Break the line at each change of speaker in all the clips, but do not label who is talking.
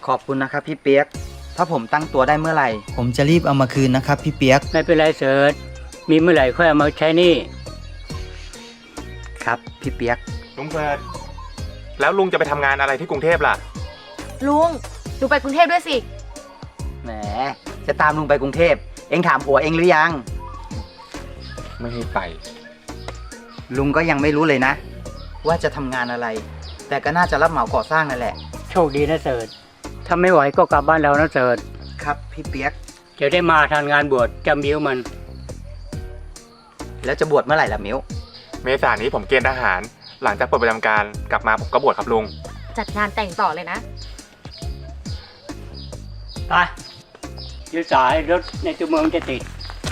ขอบคุณนะครับพี่เปียกถ้าผมตั้งตัวได้เมื่อไหร่ ผมจะรีบเอามาคืนนะครับพี่เปียก
ไม่เป็นไรเสิร์ชมีเมื่อไหร่ค่อยเอามาใช้หนี่
ครับพี่เปียก
ลุงเฟิร์สแล้วลุงจะไปทำงานอะไรที่กรุงเทพล่ะ
ลุงดูไปกรุงเทพด้วยสิ
แหมจะตามลุงไปกรุงเทพเอ็งถามผัวเอ็งหรือยัง
ไม่ให้ไป
ลุงก็ยังไม่รู้เลยนะ ว่าจะทำงานอะไร แต่ก็น่าจะรับเหมาก่อสร้างนั่นแหละ
โชคดีนะเสิร์ชถ้าไม่ไหวก็กลับบ้านเรานะเสิร์ช
ครับพี่เปียก
จะได้มาทานงานบวชจำบิ้วมัน
แล้วจะบวชเมื่อไหร่ล่ะมิ้ว
เมษายนนี้ผมเกณฑ์ทหาร หลังจากเปิดประจำการกลับมาผมก็บวชครับลุง
จัดงานแต่งต่อเลยนะ
ไปยืดสายรถในตัวเมืองจะติด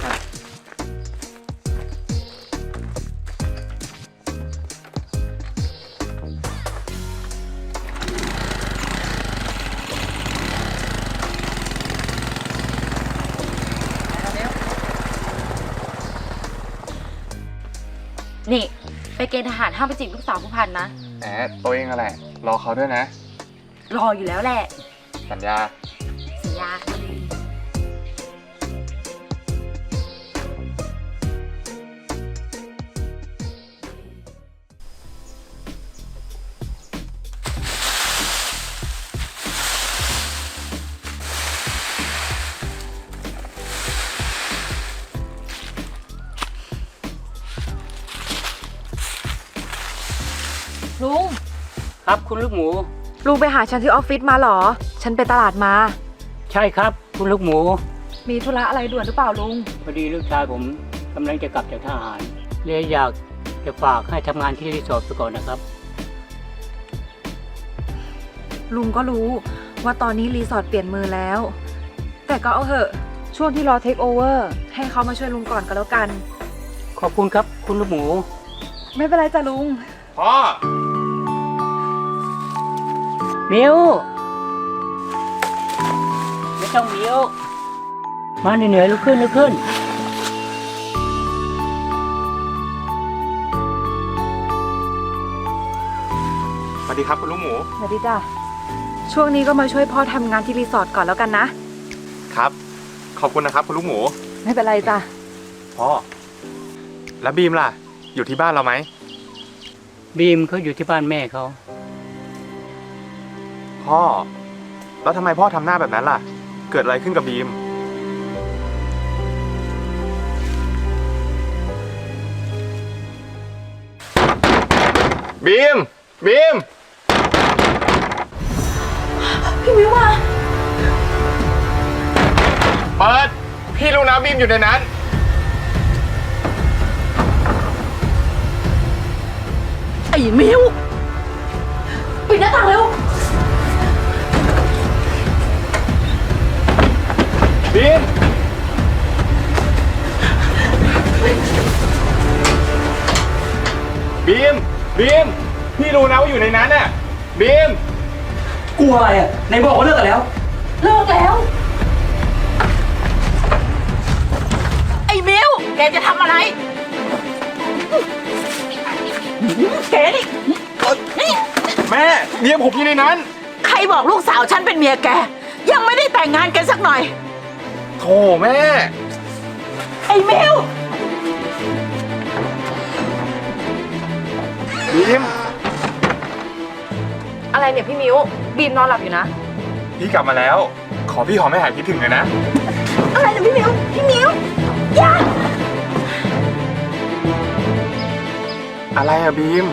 นี่ ไปเกณฑ์ทหารห้ามไปจีบลูกสาวผู้พันนะ
แหมตัวเองอะไรรอเขาด้วยนะ
รออยู่แล้วแหละ
สัญญา
สัญญา ลุง
ครับคุณลูกหมู
ลุงไปหาฉันที่ออฟฟิศมาเหรอ ฉันไปตลาดมา
ใช่ครับคุณลูกหมู
มีธุระอะไรด่วนหรือเปล่าลุง
พอดีลูกชายผมกำลังจะกลับจากทหารเลยอยากจะฝากให้ทำงานที่รีสอร์ทไปก่อนนะครับ
ลุงก็รู้ว่าตอนนี้รีสอร์ทเปลี่ยนมือแล้ว แต่ก็เอาเถอะช่วงที่รอเทคโอเวอร์ให้เขามาช่วยลุงก่อนก็แล้วกัน
ขอบคุณครับคุณลูกหมู
ไม่เป็นไรจ้ะลุง
พ่อ
มิวไม่ต้องมิวมาเหนื่อยๆลุกขึ้นลุกขึ้น
สวัสดีครับคุณลุงหมู
สวัสดีจ้ะช่วงนี้ก็มาช่วยพ่อทำงานที่รีสอร์ทก่อนแล้วกันนะ
ครับ ขอบคุณนะครับคุณลุงหมู
ไม่เป็นไรจ้ะ
พ่อ แล้วบีมล่ะ อยู่ที่บ้านเราไหม
บีมเขาอยู่ที่บ้านแม่เขา
พ่อ แล้วทำไมพ่อทำหน้าแบบนั้นล่ะ เกิดอะไรขึ้นกับบีม บีม บีม
พี่มิวมา
เปิด พี่รู้นะบีมอยู่ในนั้น
ไอ้มิวปิดหน้าต่างเร็ว
บีม บีม บีม พี่รู้นะว่าอยู่ในนั้นน่ะ บีม
กลัวอะไรอ่ะในบอกว่าเลิกกันแล้ว
เลิกแล้ว ไอ้มิวแกจะทำอะไร แกนี่นี่
แม่เมียผมอยู่ในนั้น
ใครบอกลูกสาวฉันเป็นเมียแก ยังไม่ได้แต่งงานกันสักหน่อย
โธ่แม่
ไอ้มิว
บีม
อะไรเนี่ยพี่มิวบีมนอนหลับอยู่นะ
พี่กลับมาแล้ว ขอพี่หอมให้หายคิดถึงเลยนะ
อะไรนะพี่มิว พี่มิวอย่า
อะไรอะบีม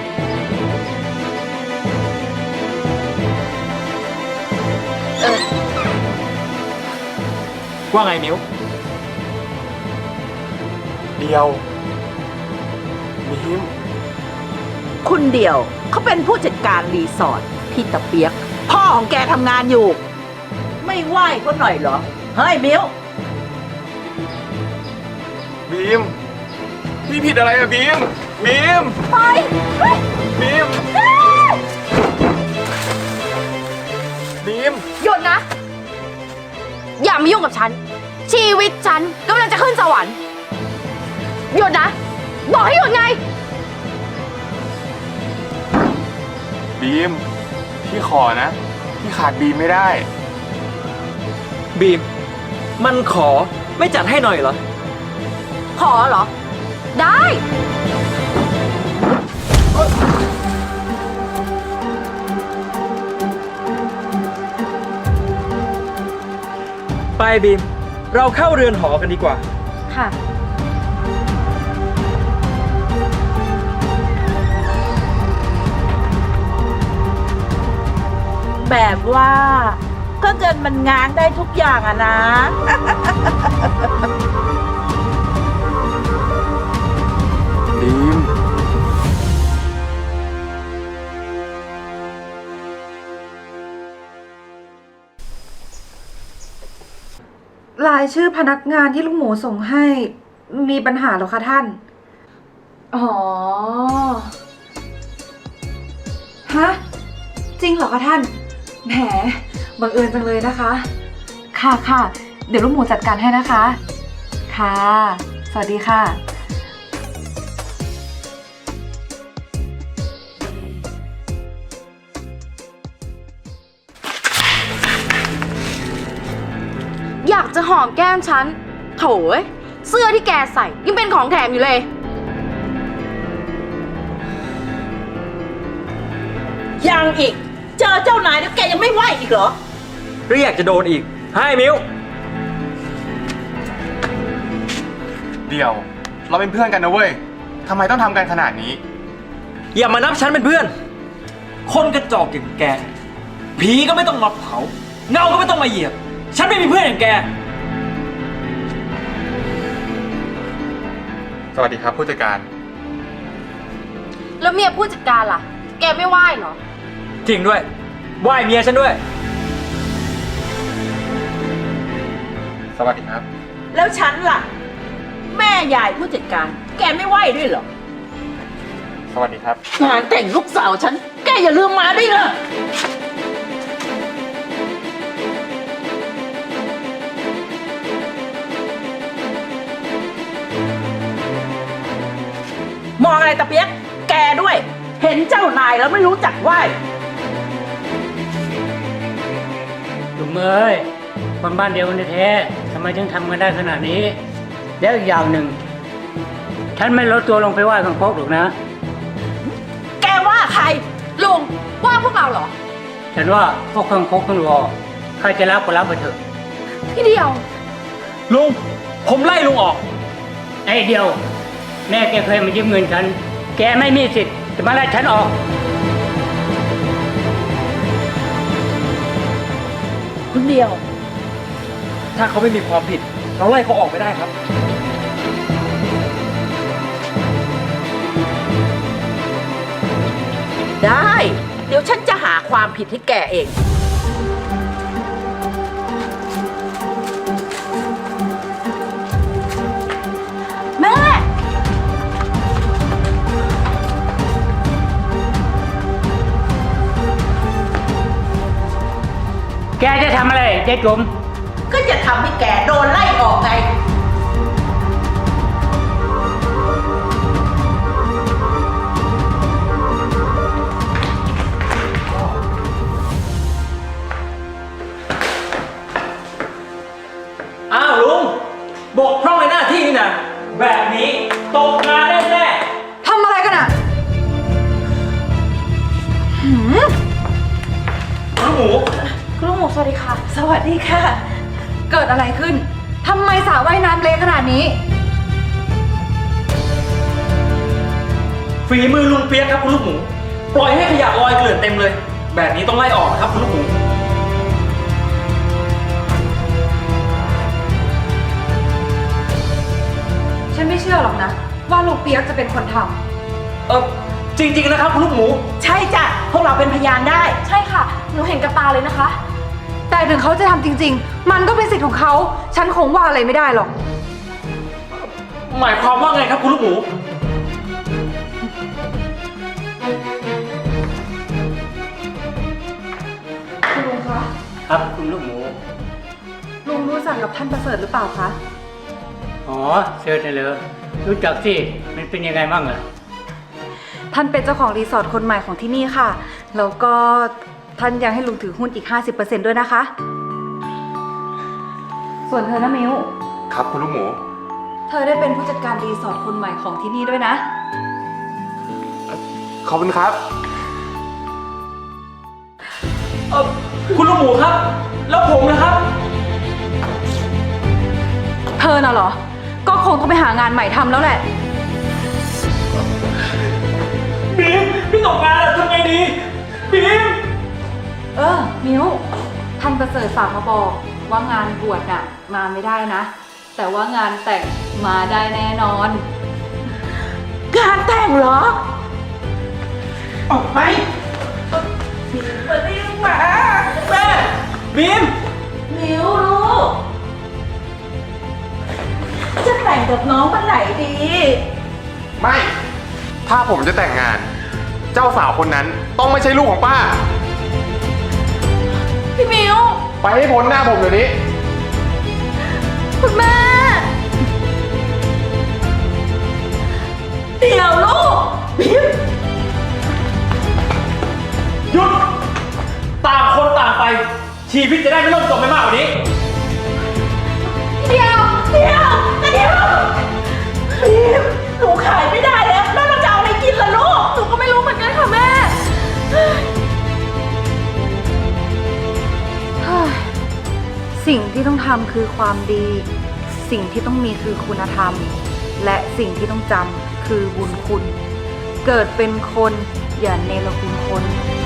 ว่าไงนิ้ว เดียว บีม
คุณเดียวเขาเป็นผู้จัดการรีสอร์ทที่ตะเปียก พ่อของแกทำงานอยู่ ไม่ไหวเขาหน่อยเหรอ เฮ้ยมิว
บีม พี่ผิดอะไรอะบีม บีม
ไปเฮ้ย
บีม บีม
หยุดนะ อย่ามายุ่งกับฉัน ชีวิตฉันกำลังจะขึ้นสวรรค์ หยุดนะ บอกให้หยุดไง
บีม พี่ขอนะ พี่ขาดบีมไม่ได้
บีม มันขอไม่จัดให้หน่อยเหรอ
ขอเหรอ ได้
ไปบีม เราเข้าเรือนหอกันดีกว่า
ค่ะ
แบบว่าก็เงินมันง้างได้ทุกอย่างอะนะ
บีม
รายชื่อพนักงานที่ลูกหมูส่งให้มีปัญหาเหรอคะท่าน อ๋อ ฮะ จริงเหรอคะท่าน แหม บังเอิญจังเลยนะคะ ค่ะค่ะ เดี๋ยวลูกหมูจัดการให้นะคะ ค่ะ สวัสดีค่ะ
อยากจะหอมแก้มฉัน โถยเสื้อที่แกใส่ยังเป็นของแถมอยู่เลย
ยังอีก เจอเจ้านายแล้วแกยังไม่ไหวอีกเหรอ
หรืออยากจะโดนอีก ให้มิว
เดี๋ยว เราเป็นเพื่อนกันนะเว้ยทำไมต้องทำกันขนาดนี้
อย่ามานับฉันเป็นเพื่อน คนกระจอกอย่างแก ผีก็ไม่ต้องมาเผา เงาก็ไม่ต้องมาเหยียบ ฉันไม่มีเพื่อนอย่างแก
สวัสดีครับผู้จัดการ
แล้วเมียผู้จัดการล่ะ แกไม่ไหว้เหรอ
จริงด้วยไหว้เมียฉันด้วย
สวัสดีครับ
แล้วฉันล่ะ แม่ยายผู้จัดการ แกไม่ไหวด้วยเหรอ
สวัสดีครับ
งานแต่งลูกสาวฉัน แกอย่าลืมมาด้วยนะมองอะไรตะเปียก แกด้วย เห็นเจ้านายแล้วไม่รู้จักไหว
ลุงเอ้ยคนบ้านเดียวกันแท้ๆทำไมถึงทำกันได้ขนาดนี้ แล้วอีกอย่างหนึ่ง ฉันไม่ลดตัวลงไปไหว้ข้างพกหรอกนะ
แกว่าใคร
ลุงว่าพวกเราเหรอ
ฉันว่าพวกข้างพกข้างรอใครจะรับก็รับไปเถอะ
พี่เดียว
ลุง ผมไล่ลุงออก
ไอ้เดียว แม่แกเคยมายืมเงินฉัน แกไม่มีสิทธิ์จะมาไล่ฉันออก
คุณเดียว
ถ้าเขาไม่มีความผิด เราไล่เขาออกไม่ได้ครับ
ได้ เดี๋ยวฉันจะหาความผิดให้แกเอง
แม่
แกจะทำอะไรยายจุ๋ม
ก็จะทำให้แกโดนไล่ออกไง
อ้าวลุง บกพร่องในหน้าที่นี่นะแบบนี้ตกงานแน่
ทำอะไรกันอ่ะ
ๆลูกหมู
คุณลูกหมูสวัสดีค่ะ สวัสดีค่ะ เกิดอะไรขึ้น ทำไมสระว่ายน้ำเละขนาดนี้
ฝีมือลุงเปียกครับคุณลูกหมู ปล่อยให้ขยะลอยเกลื่อนเต็มเลย แบบนี้ต้องไล่ออกนะครับคุณลูกหมู
ฉันไม่เชื่อหรอกนะ ว่าลุงเปียกจะเป็นคนทำ
จริงๆนะครับคุณลูกหมู
ใช่จ้ะ พวกเราเป็นพยานได้
ใช่ค่ะ หนูเห็นกับตาเลยนะคะ
แต่ถึงเขาจะทำจริง ๆ มันก็เป็นสิทธิ์ของเขา ฉันคงว่าอะไรไม่ได้หรอก
หมายความว่าไงครับคุณลูกหมู
คุณลุงคะ
ครับคุณลูกหมู
ลุงรู้จักกับท่านประเสริฐหรือเปล่าคะ
อ๋อเชิญเลย รู้จักสิ มันเป็นยังไงบ้างอะ
ท่านเป็นเจ้าของรีสอร์ทคนใหม่ของที่นี่ค่ะ แล้วก็ท่านยังให้ลุงถือหุ้นอีก 50%ด้วยนะคะส่วนเธอนะมิว
ครับคุณลูกหมู
เธอได้เป็นผู้จัดการรีสอร์ทคนใหม่ของที่นี่ด้วยนะ
ขอบคุณครับ
คุณลูกหมูครับ แล้วผมนะครับ
เธอน่ะเหรอ ก็คงต้องไปหางานใหม่ทำแล้วแหละ
บีม พี่ตกงานแล้วทำไงดี บีม
มิวท่านประเสริฐฝากมาบอกว่างานบวชน่ะมาไม่ได้นะ แต่ว่างานแต่งมาได้แน่นอน
งานแต่งเหรอ
ออกไป
มาเรียกมา
แม่ บีม
มิวลูก จะแต่งกับน้องเมื่อไหร่ดี
ไม่ ถ้าผมจะแต่งงาน เจ้าสาวคนนั้นต้องไม่ใช่ลูกของป้า
พี่มิว
ไปให้พ้นหน้าผมเดี๋ยวนี้
คุณแม่
เดี๋ยวลูกบิม
หยุด ต่างคนต่างไป ชีวิตจะได้ไม่ล่มจมไปมากกว่านี้
บิมหนูขายไม่ได้แล้วแล้วเราจะเอาอะไรกินล่ะลูก
หนูก็ไม่รู้เหมือนกันค่ะแม่
สิ่งที่ต้องทำคือความดี สิ่งที่ต้องมีคือคุณธรรม และสิ่งที่ต้องจำคือบุญคุณ เกิดเป็นคนอย่าเนรคุณคน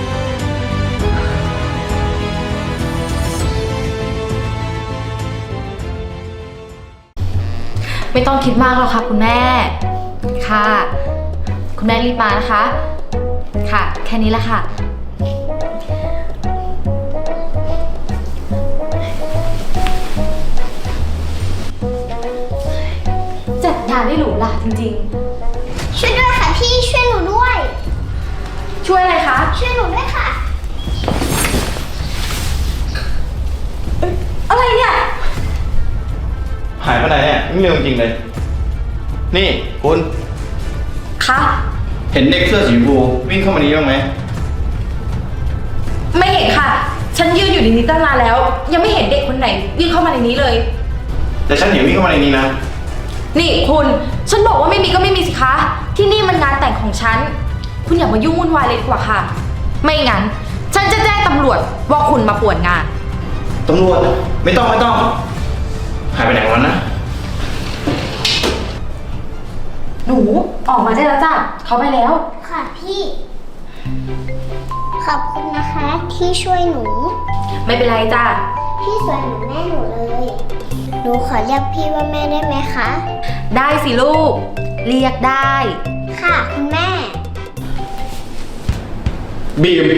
ไม่ต้องคิดมากหรอกค่ะคุณแม่ ค่ะ คุณแม่รีบมานะคะ ค่ะ แค่นี้แหละค่ะ จัดงานได้หรูหราจริง
ช่วยด้วยค่ะพี่ช่วยหนูด้วย
ๆ ช่วยอะไรคะ
ช่วยหนูด้วยค่ะ
อะไรเนี่ย
หายไปไหนเนี่ยไม่เร็วจริงเลย นี่คุณ
คะ
เห็นเด็กเสื้อสีชมพูวิ่งเข้ามานี้บ้างไหม
ไม่เห็นค่ะ ฉันยืนอยู่ในนี้ตั้งนานแล้ว ยังไม่เห็นเด็กคนไหนวิ่งเข้ามาในนี้เลย
แต่ฉันเห็นวิ่งเข้ามาในนี้นะ
นี่คุณ ฉันบอกว่าไม่มีก็ไม่มีสิคะ ที่นี่มันงานแต่งของฉัน คุณอย่ามายุ่งวุ่นวายเลยดีกว่าค่ะ ไม่งั้น ฉันจะแจ้งตำรวจว่าคุณมาป่วนงาน
ตำรวจไม่ต้อง หายไปไหนวันนะ
หนูออกมาได้แล้วจ้ะเขาไปแล้ว
ค่ะพี่ ขอบคุณนะคะที่ช่วยหนู
ไม่เป็นไรจ้ะ
พี่สวยเหมือนแม่หนูเลย หนูขอเรียกพี่ว่าแม่ได้ไหมคะ
ได้สิลูก เรียกได้
ค่ะคุณแม่
บีม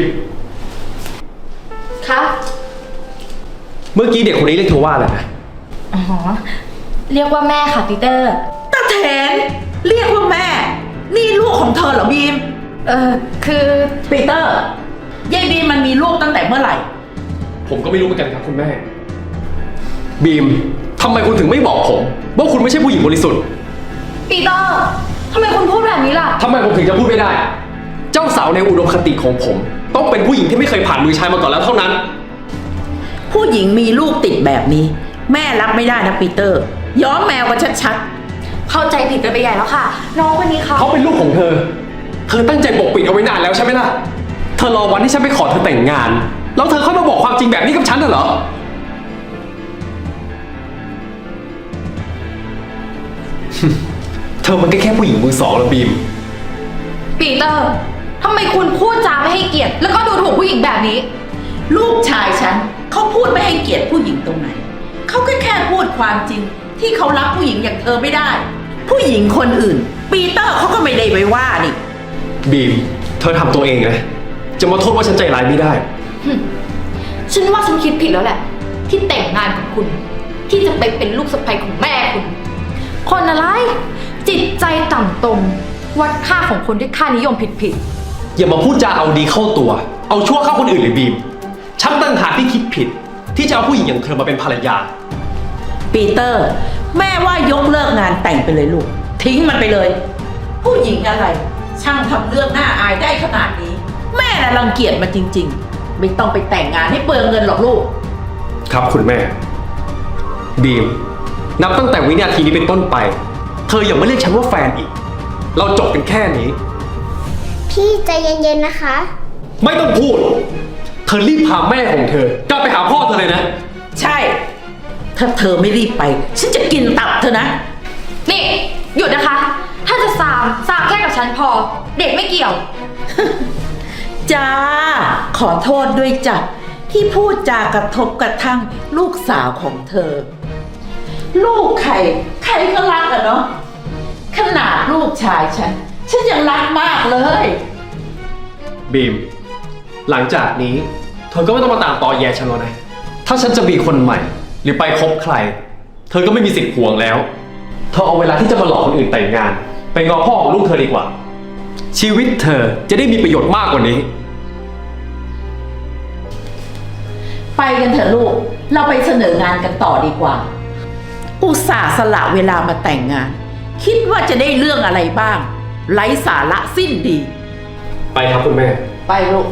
ครับ
เมื่อกี้เด็กคนนี้เรียกเธอว่าอะไรนะ
อ๋อ เรียกว่าแม่ค่ะปีเตอร์
ตาแทนเรียกว่าแม่ นี่ลูกของเธอเหรอบีม
คือ
ปีเตอร์ยายบีมมันมีลูกตั้งแต่เมื่อไหร่
ผมก็ไม่รู้เหมือนกันครับคุณแม่ บีมทำไมคุณถึงไม่บอกผมว่าคุณไม่ใช่ผู้หญิงบริสุทธิ์
ปีเตอร์ทำไมคุณพูดแบบนี้ล่ะ
ทำไมผมถึงจะพูดไม่ได้ เจ้าสาวในอุดมคติของผม ต้องเป็นผู้หญิงที่ไม่เคยผ่านมือชายมาก่อนแล้วเท่านั้น
ผู้หญิงมีลูกติดแบบนี้ แม่รับไม่ได้นะปีเตอร์ ย้อมแมวกันชัด
เข้าใจผิดกันไปใหญ่แล้วค่ะ น้องคนนี้เขา
เขาเป็นลูกของเธอ เธอตั้งใจปกปิดเอาไว้นานแล้วใช่ไหมล่ะ เธอรอวันที่ฉันไปขอเธอแต่งงาน แล้วเธอค่อยมาบอกความจริงแบบนี้กับฉันเหรอ เธอมันก็แค่ผู้หญิงมือสองละบีม
ปีเตอร์ทำไมคุณพูดจาไม่ให้เกียรติ แล้วก็ดูถูกผู้หญิงแบบนี้
ๆ ลูกชายฉันเขาพูดไม่ให้เกียรติผู้หญิงตรงไหน เขาแค่พูดความจริง ที่เขารักผู้หญิงอย่างเธอไม่ได้ ผู้หญิงคนอื่น ปีเตอร์เขาก็ไม่ได้ไปว่านี่
บีม เธอทำตัวเองนะ จะมาโทษว่าฉันใจร้ายไม่ได้
ฉันว่าฉันคิดผิดแล้วแหละ ที่แต่งงานกับคุณ ที่จะไปเป็นลูกสะใภ้ของแม่คุณ คนอะไร จิตใจต่ำตมวัดค่าของคนด้วยค่านิยมผิด
อย่ามาพูดจาเอาดีเข้าตัว เอาชั่วเข้าคนอื่นเลยบีม ฉันตั้งหากที่คิดผิด ที่จะเอาผู้หญิงอย่างเธอมาเป็นภรรยา
ปีเตอร์ แม่ว่ายกเลิกงานแต่งไปเลยลูก ทิ้งมันไปเลย ผู้หญิงอะไร ช่างทำเรื่องน่าอายได้ขนาดนี้ แม่น่ะรังเกียจมันจริง ๆ ไม่ต้องไปแต่งงานให้เปลืองเงินหรอกลูก
ครับคุณแม่บีม นับตั้งแต่วินาทีนี้เป็นต้นไป เธออย่ามาเรียกฉันว่าแฟนอีก เราจบกันแค่นี้
พี่ใจเย็นๆนะคะ
ไม่ต้องพูด เธอรีบพาแม่ของเธอกลับไปหาพ่อเธอเลยนะ
ใช่ ถ้าเธอไม่รีบไป ฉันจะกินตับเธอนะ
นี่หยุดนะคะ ถ้าจะสามแค่กับฉันพอ เด็กไม่เกี่ยว
จ้า ขอโทษด้วยจ้ะที่พูดจากระทบกระทั่งลูกสาวของเธอ ลูกใครก็รักอะเนาะขนาดลูกชายฉันยังรักมากเลย
บีม หลังจากนี้ เธอก็ไม่ต้องมาตามตอแยฉันแล้วนะ ถ้าฉันจะมีคนใหม่ หรือไปคบใคร เธอก็ไม่มีสิทธิ์ห่วงแล้ว เธอเอาเวลาที่จะมาหลอกคนอื่นแต่งงาน ไปงอพ่อของลูกเธอดีกว่า ชีวิตเธอจะได้มีประโยชน์มากกว่านี้
ไปกันเถอะลูก เราไปเสนองานกันต่อดีกว่า อุตส่าห์สละเวลามาแต่งงาน คิดว่าจะได้เรื่องอะไรบ้าง ไร้สาระสิ้นดี
ไปครับคุณแม่
ไปลูก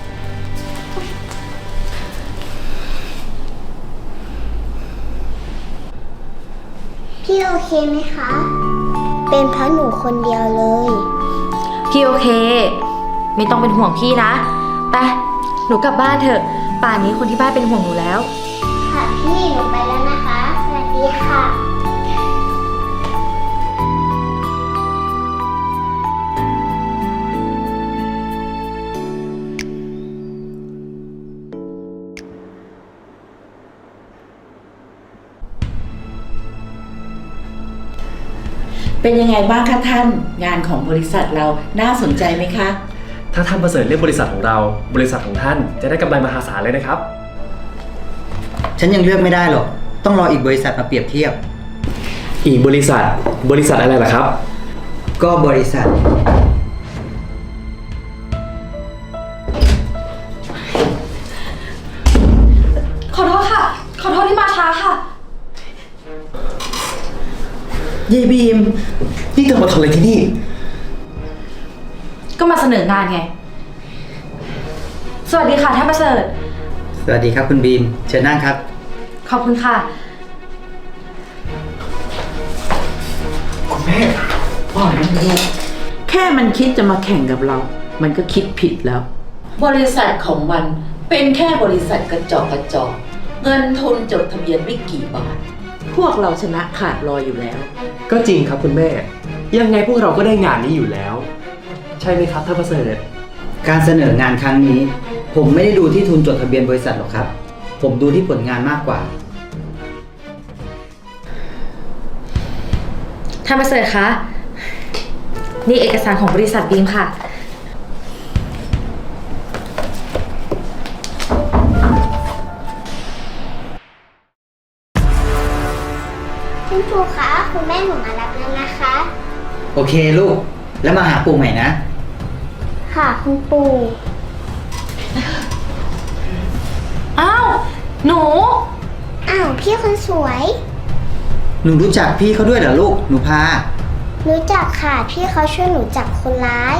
พี่โอเคไหมคะ เป็นเพราะหนูคนเดียวเลย
พี่โอเค ไม่ต้องเป็นห่วงพี่นะ ไป หนูกลับบ้านเถอะ ป่านนี้คนที่บ้านเป็นห่วงหนูแล้ว
ค่ะพี่หนูไปแล้วนะคะ สวัสดีค่ะ
เป็นยังไงบ้างคะท่าน งานของบริษัทเราน่าสนใจไหมคะ
ถ้าท่านประเสริฐเลือกบริษัทของเรา บริษัทของท่านจะได้กำไรมหาศาลเลยนะครับ
ฉันยังเลือกไม่ได้หรอก ต้องรออีกบริษัทมาเปรียบเทียบ
อีกบริษัทอะไรล่ะครับ
ก็บริษัท
ขอโทษค่ะ ขอโทษที่มาช้าค่ะ
เยบีม
นี่เธอมาทำอะไรที่นี่
ก็มาเสนองานไง สวัสดีค่ะท่านประเสริฐ
สวัสดีครับคุณบีม เชิญนั่งครับ
ขอบคุณค่ะ
คุณแม่ว่าอะไรนะลูก
แค่มันคิดจะมาแข่งกับเรา มันก็คิดผิดแล้ว บริษัทของมันเป็นแค่บริษัทกระจอกเงินทุนจดทะเบียนไม่กี่บาท พวกเราชนะขาดลอยอยู่แล้ว
ก็จริงครับคุณแม่ ยังไงพวกเราก็ได้งานนี้อยู่แล้ว ใช่ไหมครับท่านประเสริฐ
การเสนองานครั้งนี้ ผมไม่ได้ดูที่ทุนจดทะเบียนบริษัทหรอกครับ ผมดูที่ผลงานมากกว่า
ท่านประเสริฐคะ นี่เอกสารของบริษัทบีมค่ะ
คุณครูคะคุณแม่หนูมารับแล้วนะคะ
โอเคลูก แล้วมาหาปู่ใหม่นะ
ค่ะคุณปู่
อ้าว หนู
อ้าวพี่คนสวย
หนูรู้จักพี่เขาด้วยเหรอลูก หนูพา
รู้จักค่ะพี่เขาช่วยหนูจับคนร้าย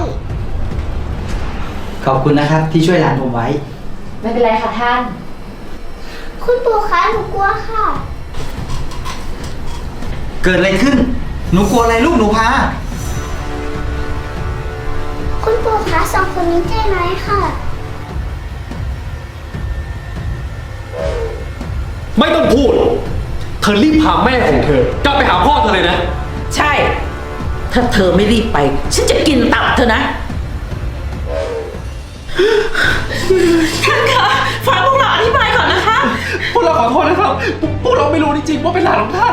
ขอบคุณนะครับที่ช่วยหลานผมไว้
ไม่เป็นไรค่ะท่าน
คุณปู่คะหนูกลัวค่ะ
เกิดอะไรขึ้น หนูกลัวอะไรลูก หนูพา
คุณปู่คะสองคนนี้ใจร้ายค่ะ
ไม่ต้องพูด เธอรีบพาแม่ของเธอกลับไปหาพ่อเธอเลยนะ
ใช่ ถ้าเธอไม่รีบไป ฉันจะกินตับเธอนะ ท่านคะฟังพวกเราอธิบายก่อนนะคะ
พวกเราขอโทษนะครับ พวกเราไม่รู้จริงๆว่าเป็นหลานของท่าน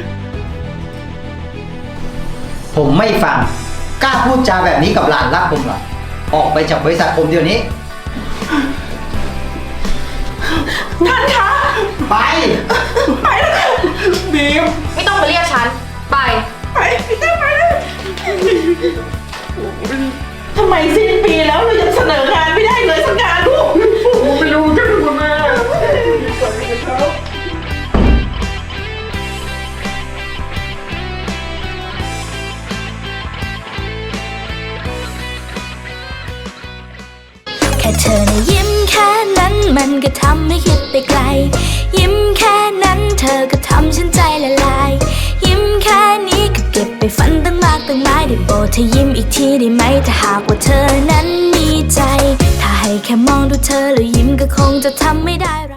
ผมไม่ฟัง กล้าพูดจาแบบนี้กับหลานรักผมเหรอ ออกไปจากบริษัทผมเดี๋ยวนี้
ท่านคะ
ไป
ไปแล้วค่ะ
บีม
ไม่ต้องมาเรียกฉัน ไป
ไปพี่เต้ไปเลยทำไมสิ้นปีแล้วเรายังเสนองานไม่ได้เลยสักงานลูก
ผมไม่รู้กันคุณแม่
แค่เธอนะยิ้มแค่นั้นมันก็ทำให้คิดไปไกล ยิ้มแค่นั้นเธอก็ทำฉันใจเธอยิ้มอีกทีได้ไหมถ้าหากว่าเธอนั้นมีใจ ถ้าให้แค่มองดูเธอแล้วยิ้มก็คงจะทำไม่ได้